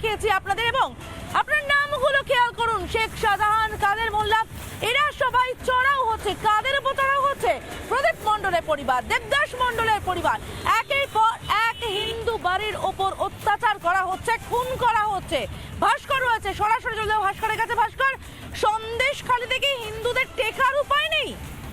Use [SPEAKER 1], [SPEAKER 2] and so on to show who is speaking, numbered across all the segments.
[SPEAKER 1] দেখিয়েছি আপনাদের, এবং আপনার নামগুলো খেয়াল করুন। শেখ শাহজাহান, কাদের মোল্লা, এরা সবাই চড়াও হচ্ছে। কাদের উপর চড়াও হচ্ছে? প্রদীপ মণ্ডলের পরিবার, দেবদাস মণ্ডলের পরিবার। একের পর এক হিন্দু বাড়ির ওপর অত্যাচার করা হচ্ছে, খুন করা হচ্ছে। ভাস্কর রয়েছে, সরাসরি চলে যাও ভাস্করের কাছে। ভাস্কর, সন্দেশখালী থেকে হিন্দুদের টেকার উপায় নেই?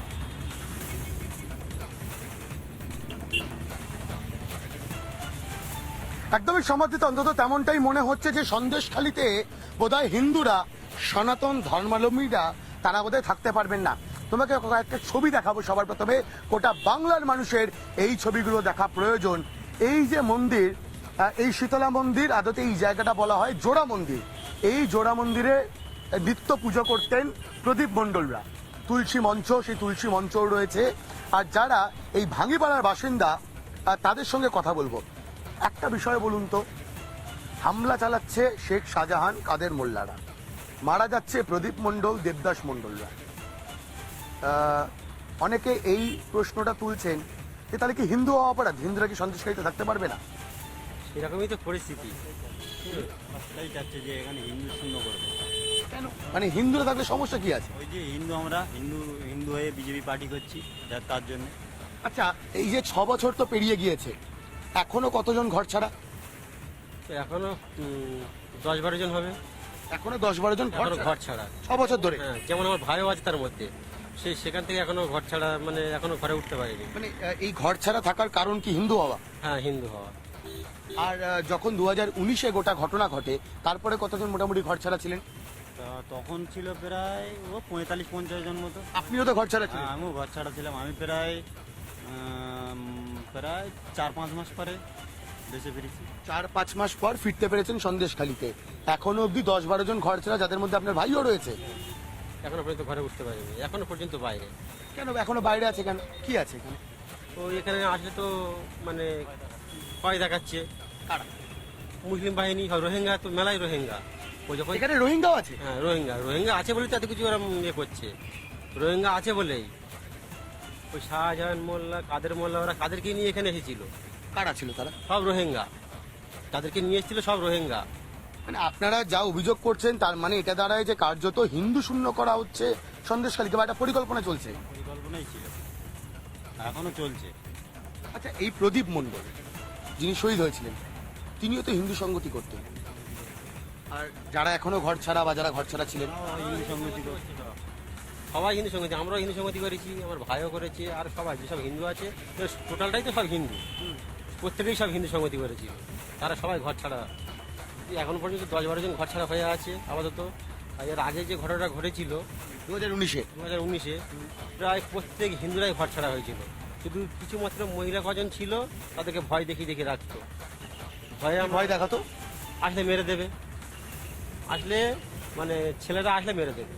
[SPEAKER 2] একদমই সমাধিত, অন্তত তেমনটাই মনে হচ্ছে যে সন্দেশখালীতে বোধহয় হিন্দুরা, সনাতন ধর্মাবলম্বীরা তারা বোধহয় থাকতে পারবেন না। তোমাকে একটা ছবি দেখাবো সবার প্রথমে। গোটা বাংলার মানুষের এই ছবিগুলো দেখা প্রয়োজন। এই যে মন্দির, এই শীতলা মন্দির, আদতে এই জায়গাটা বলা হয় জোড়া মন্দির। এই জোড়া মন্দিরে নিত্য পুজো করতেন প্রদীপ মণ্ডলরা। তুলসী মঞ্চ, সেই তুলসী মঞ্চও রয়েছে। আর যারা এই ভাঙ্গিপাড়ার বাসিন্দা তাদের সঙ্গে কথা বলবো। একটা বিষয় বলুন তো, হামলা চালাচ্ছে শেখ শাহজাহান, কাদের মোল্লারা, মারা যাচ্ছে প্রদীপ মণ্ডল, দেবদাস মণ্ডলরা। অনেকে এই প্রশ্নটা তুলছেন যে তাহলে কি হিন্দু হওয়া অপরাধ? হিন্দুরা কি সন্দেশখালীতে থাকতে পারবে না?
[SPEAKER 3] এরকমই তো পরিস্থিতি। রাস্তাই চাচ্ছে যে এখানে হিন্দু শূন্য করবে।
[SPEAKER 2] কেন? মানে হিন্দুরা থাকলে সমস্যা কি আছে?
[SPEAKER 3] ওই যে আমরা হিন্দু হয়ে বিজেপি পার্টি করছি তার জন্য।
[SPEAKER 2] আচ্ছা, এই যে 6 বছর তো পেরিয়ে গিয়েছে, এখনো কতজন ঘর ছাড়া?
[SPEAKER 3] তো এখনো 10-12 জন হবে।
[SPEAKER 2] এখনো 10-12 জন
[SPEAKER 3] ঘর ছাড়া
[SPEAKER 2] 6 বছর ধরে।
[SPEAKER 3] হ্যাঁ, যেমন আমার ভাইও আছে তার মধ্যে, সেখান থেকে এখনো ঘর ছাড়া, মানে এখনো ঘরে উঠতে পারেনি।
[SPEAKER 2] মানে এই ঘর ছাড়া থাকার কারণ কি হিন্দু হওয়া?
[SPEAKER 3] হ্যাঁ, হিন্দু হওয়া।
[SPEAKER 2] আর যখন 2019-এ গোটা ঘটনা ঘটে, তারপরে কতজন মোটামুটি ঘর ছাড়া ছিলেন?
[SPEAKER 3] তখন ছিল প্রায় 45-50 জন মতো।
[SPEAKER 2] আপনিও তো ঘর ছাড়া ছিলেন।
[SPEAKER 3] হ্যাঁ, আমিও ঘর ছাড়া ছিলাম। আমি প্রায় 4-5 মাস পরে দেশে ফিরেছি।
[SPEAKER 2] 4-5 মাস পর ফিরতে পেরেছেন সন্দেশখালীতে। এখনো অব্দি 10-12 জন ঘর ছাড়া, যাদের মধ্যে আপনার ভাইও রয়েছে।
[SPEAKER 3] এখনো পর্যন্ত ঘরে উঠতে পারিনি, এখনো পর্যন্ত বাইরে।
[SPEAKER 2] কেন এখনো বাইরে আছে? কেন, কি আছে এখানে?
[SPEAKER 3] তো এখানে আসলে তো মানে ভয় দেখাচ্ছে।
[SPEAKER 2] কারা?
[SPEAKER 3] মুসলিম বাহিনী, রোহিঙ্গা, তো মেলাই রোহিঙ্গা। ও যখন
[SPEAKER 2] এখানে রোহিঙ্গাও আছে?
[SPEAKER 3] হ্যাঁ, রোহিঙ্গা আছে বলেই তো এত কিছু ওরা ইয়ে করছে। রোহিঙ্গা আছে বলেই ওই শাহজাহান মোল্লা, কাদের মোল্লা, ওরা কাদেরকে নিয়ে এখানে এসেছিল?
[SPEAKER 2] কারা ছিল তারা?
[SPEAKER 3] সব রোহিঙ্গা, তাদেরকে নিয়ে এসেছিল সব রোহিঙ্গা।
[SPEAKER 2] মানে আপনারা যা অভিযোগ করছেন তার মানে এটা দাঁড়ায় যে কার্যত হিন্দু শূন্য করা হচ্ছে সন্দেশখালীকে, বা একটা পরিকল্পনা চলছে।
[SPEAKER 3] পরিকল্পনাই ছিল, এখনো চলছে।
[SPEAKER 2] আচ্ছা, এই প্রদীপ মণ্ডল যিনি শহীদ হয়েছিলেন, তিনিও তো হিন্দু সংগতি করতেন। আর যারা এখনো ঘর ছাড়া বা যারা ঘর ছাড়া ছিলেন,
[SPEAKER 3] হিন্দু সংগতি সবাই হিন্দু সংগতি, আমরাও হিন্দু সংগতি করেছি, আমার ভাইও করেছে, আর সবাই যেসব হিন্দু আছে টোটালটাই তো সব হিন্দু, প্রত্যেকেই সব হিন্দু সংগতি করেছি। তারা সবাই ঘর ছাড়া, এখন পর্যন্ত 10-12 জন ঘর ছাড়া হয়ে আছে আপাতত। আর এর আগে যে ঘটনাটা ঘটেছিল
[SPEAKER 2] 2019-এ,
[SPEAKER 3] প্রায় প্রত্যেক হিন্দুরাই ঘর ছাড়া হয়েছিল। শুধু কিছু মাত্র মহিলা কজন ছিল, তাদেরকে ভয় দেখিয়ে রাখতো।
[SPEAKER 2] ভয় দেখাতো,
[SPEAKER 3] আসলে মেরে দেবে, আসলে মানে ছেলেরা আসলে মেরে দেবে।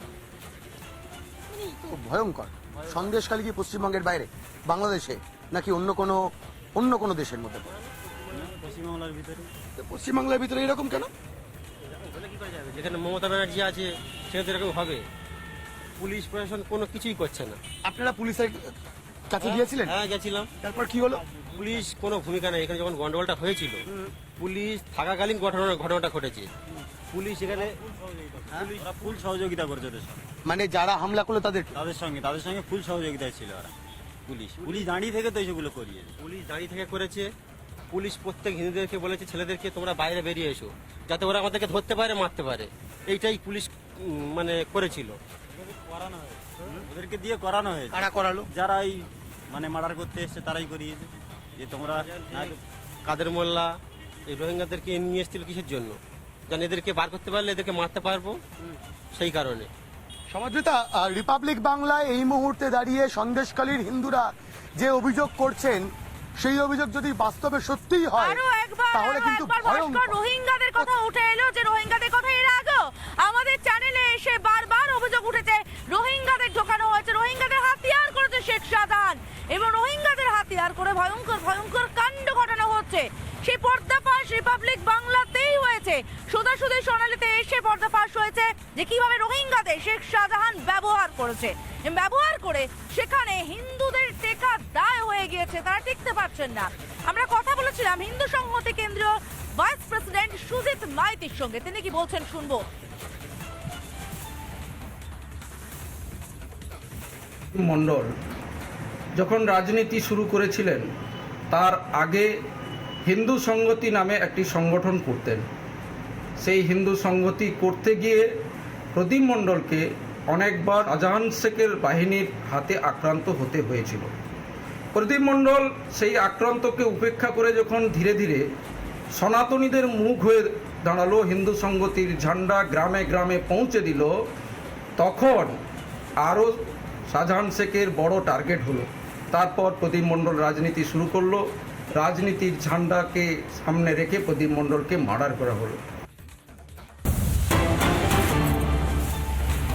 [SPEAKER 2] খুব ভয়ঙ্কর। সন্দেশখালী কি পশ্চিমবঙ্গের বাইরে, বাংলাদেশে, নাকি অন্য কোনো দেশের মধ্যে?
[SPEAKER 3] পশ্চিমবাংলার ভিতরে।
[SPEAKER 2] পশ্চিমবাংলার ভিতরে এরকম কেন?
[SPEAKER 3] যেখানে মমতা ব্যানার্জি আছে সেখানে তো এরকম হবে। পুলিশ প্রশাসন কোনো কিছুই করছে না।
[SPEAKER 2] আপনারা পুলিশের কাছে গিয়েছিলেন?
[SPEAKER 3] হ্যাঁ, গেছিলাম।
[SPEAKER 2] তারপর কি হলো?
[SPEAKER 3] পুলিশ কোনো ভূমিকা নেই এখানে। যখন গন্ডগোলটা হয়েছিল, পুলিশ থাকাকালীন ঘটনাটা ঘটেছে। পুলিশ এখানে ফুল সহযোগিতা করেছে ওদের সঙ্গে।
[SPEAKER 2] মানে যারা হামলা করলো তাদের
[SPEAKER 3] তাদের সঙ্গে ফুল সহযোগিতায় ছিল ওরা। পুলিশ দাঁড়িয়ে থেকে তো এইসবগুলো করিয়েছে। পুলিশ দাঁড়িয়ে থেকে করেছে। পুলিশ প্রত্যেক হিন্দুদেরকে বলেছে ছেলেদেরকে তোমরা বাইরে বেরিয়ে এসো, যাতে ওরা আমাদেরকে ধরতে পারে, মারতে পারে। এইটাই পুলিশ মানে করেছিল। ওদেরকে দিয়ে করানো হয়েছে।
[SPEAKER 2] কারা করালো?
[SPEAKER 3] যারা এই মানে মার্ডার করতে এসছে তারাই করিয়েছে। যে তোমরা কাদের মোল্লা এই রোহিঙ্গাদেরকে নিয়ে এসেছিল কিসের জন্য? যেন এদেরকে বার করতে পারলে এদেরকে মারতে পারবো, সেই কারণে।
[SPEAKER 2] সমাজবিতা, রিপাবলিক বাংলায় এই মুহূর্তে দাঁড়িয়ে সন্দেশখালীর হিন্দুরা যে অভিযোগ করছেন, সেই অভিযোগ যদি বাস্তবে সত্যিই হয় তাহলে কিন্তু ভয়ঙ্কর।
[SPEAKER 1] রোহিঙ্গাদের কথা উঠে এলো, যে রোহিঙ্গাদের কথা এর আগেও আমাদের চ্যানেলে এসে বারবার অভিযোগ উঠেছে। রোহিঙ্গাদের ঢোকানো হয়েছে, রোহিঙ্গাদের হাতিয়ার করেছে শেখ শাহজাহান, এবং রোহিঙ্গাদের হাতিয়ার করে ভয়ঙ্কর কাণ্ড ঘটানো হচ্ছে। সেই পর্দাফাঁস রিপাবলিক বাংলাতেই হয়েছে। সোজাসুজি সোনালীতে এসে পর্দাফাঁস হয়েছে যে কিভাবে রোহিঙ্গাদের শেখ শাহজাহান ব্যবহার করেছে। ব্যবহার করে সেখানে হিন্দুদের টেকা দায় হয়ে গিয়েছে, তারা টিকতে পারছেন না। আমরা কথা বলেছিলাম হিন্দু সংহতি কেন্দ্রীয় ভাইস প্রেসিডেন্ট সুজিত মাইতির সঙ্গে। তিনি কি বলছেন শুনবো।
[SPEAKER 4] মণ্ডল যখন রাজনীতি শুরু করেছিলেন তার আগে হিন্দু সংগতি নামে একটি সংগঠন করতেন। সেই হিন্দু সংগতি করতে গিয়ে প্রদীপ মণ্ডলকে অনেকবার শাহজাহান শেখের বাহিনীর হাতে আক্রান্ত হতে হয়েছিল। প্রদীপ মণ্ডল সেই আক্রান্তকে উপেক্ষা করে যখন ধীরে ধীরে সনাতনীদের মুখ হয়ে দাঁড়ালো, হিন্দু সংগতির ঝান্ডা গ্রামে গ্রামে পৌঁছে দিল, তখন আরও শাহজাহান শেখের বড় টার্গেট হলো। তারপর প্রদীপ মণ্ডল রাজনীতি শুরু করলো, রাজনীতির ঝান্ডাকে সামনে রেখে প্রদীপ মণ্ডলকে মার্ডার করা হলো।